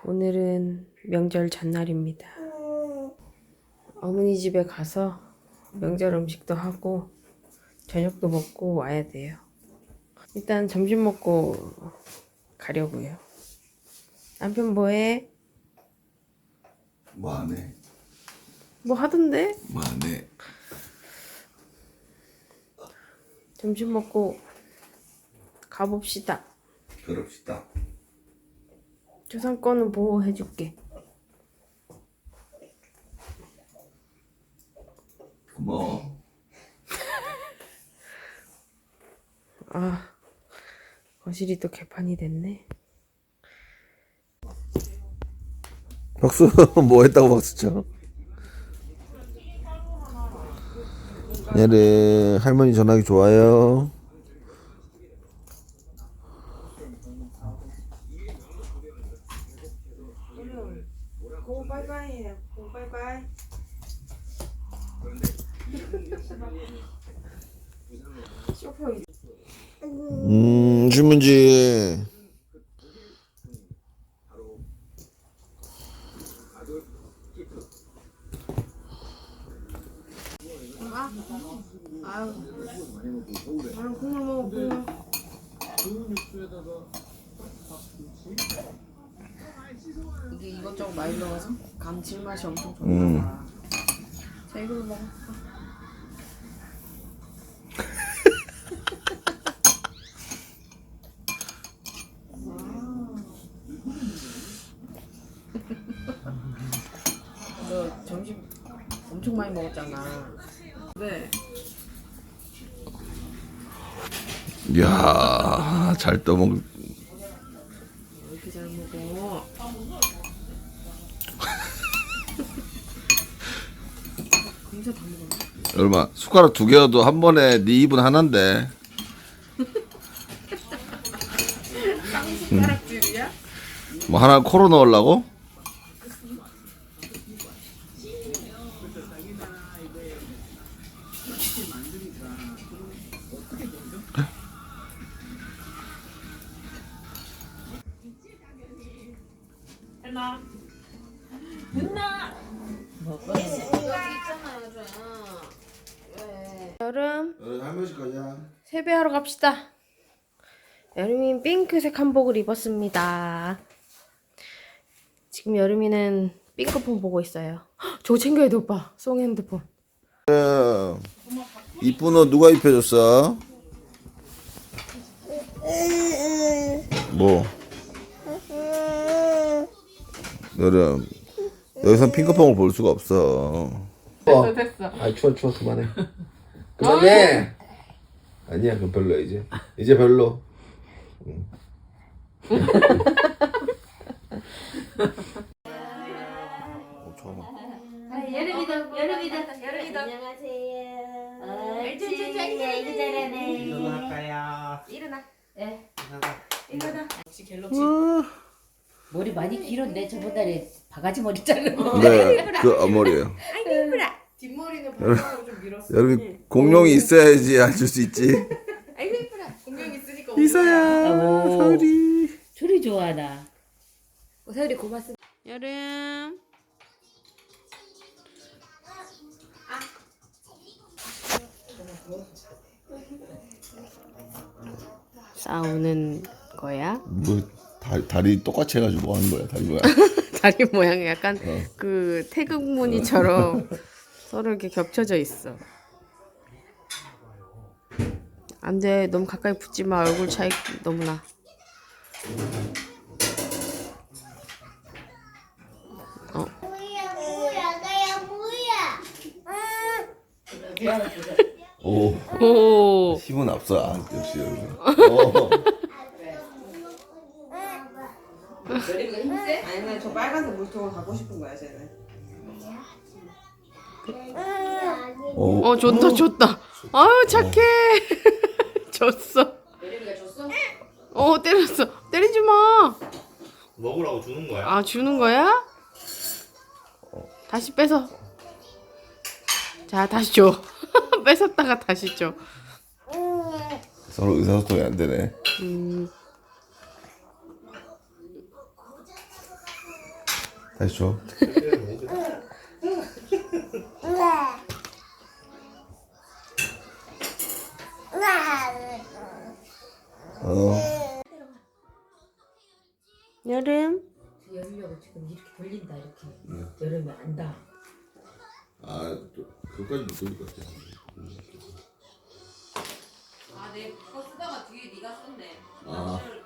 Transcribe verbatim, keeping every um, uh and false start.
오늘은 명절 전날입니다. 어머니 집에 가서 명절 음식도 하고 저녁도 먹고 와야 돼요. 일단 점심 먹고 가려고요. 남편 뭐해? 뭐 안 해? 뭐 하던데? 뭐 안 해? 점심 먹고 가봅시다. 그럽시다. 저상권은 보호해줄게. 고마워. 아, 거실이 또 개판이 됐네. 박수. 뭐 했다고 박수 쳐? 얘를 할머니 전화기 좋아요. 고 바이바이. 고 바이바이. 음, 주문지. 아유, 아유, 국물 먹어, 국물. 이게 이것저것 많이 넣어서 감칠맛이 엄청 좋나 음. 봐. 자, 이걸로 먹어. 너 점심 엄청 많이 먹었잖아. 네. 이야, 잘 떠먹. 왜 이렇게 잘 먹어? 진짜 다 먹었네. 얼마? 숟가락 두 개여도 한 번에 네 입은 하나인데. 숟가락질이야? 뭐 하나 코로 넣으려고? 했나? 했나? 먹어. 여기 있잖아요, 저. 왜? 여름 할머니 집 가자. 세배하러 갑시다. 여름이 핑크색 한복을 입었습니다. 지금 여름이는 핑크폰 보고 있어요. 헉, 저거 챙겨야 돼, 오빠. 송 핸드폰. 이쁜 옷 누가 입혀줬어? 뭐? 여름 여기서 핑크퐁을 볼 수가 없어. 됐어, 됐어. 아 추워 추워 그만해. 그만해. 아니야 그럼 별로야 이제. 이제 별로. 응. 어, 잠깐만. 여름이도 여름이도 여름이도 안녕하세요. 옳지 아이고 잘하네. 일어날까요? 일어나. 예. 일어나. 역시 갤럭시. 머리 많이 길었네. 저번달에 바가지 머리 자르고. 네, 그 앞머리예요. 뒷머리는 방향으로 좀 밀었어. 여름이 공룡이 있어야지 앉을 수 있지. 아이고 예쁘라. 공룡 있으니까. 이서야, 오. 서리. 소리 좋아하나. 세율이 고맙습니다. 여름. 싸우는 거야? 뭐 다, 다리 똑같이 해가지고 뭐 하는 거야 다리 뭐야? 다리 모양이 약간 어. 그 태극 무늬처럼 서로 이렇게 겹쳐져 있어. 안 돼. 너무 가까이 붙지 마. 얼굴 차이 너무 나. 어. 오, 오. 힘은 앞서. 아, 역시 여름. 어. 아니, 나 저 빨간색 물통을 갖고 싶은 거야, 쟤는. 오. 어, 좋다, 좋다. 아유, 착해. 줬어. 여름이가 줬어? 어, 때렸어. 때리지 마. 먹으라고 주는 거야? 아, 주는 거야? 다시 뺏어. 자, 다시 줘. 뺏었다가 다시 줘. 서로 의사소통이 안 되네. 음. 다시 줘. 어. 여름. 열려고 지금 이렇게 돌린다 이렇게. 여름에 안다. 아, 또 그까지 못 돌릴 것 같아. 아, 내 거 쓰다가 뒤에 네가 썼네. 아.